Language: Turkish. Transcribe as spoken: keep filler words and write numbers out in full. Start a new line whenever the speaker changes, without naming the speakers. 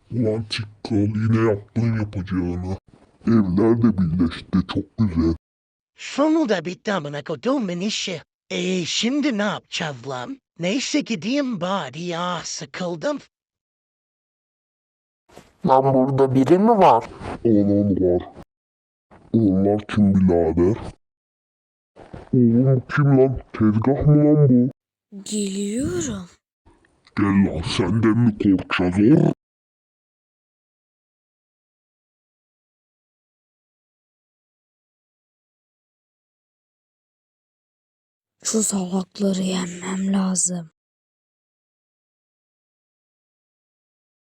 Ulan Tikkal yine yaptın yapacağını. Evler de birleşti çok güzel.
Sonunda bitti amına koduğumun işi. Eee şimdi ne yapacağız lan? Neyse gideyim bari ya sıkıldım.
Lan burada biri mi var?
Oğlum var. Onlar kim birader? Oğlum kim lan? Tezgah mı lan bu?
Geliyorum.
Gel lan senden mi korkacağız or?
Şu salakları yenmem lazım.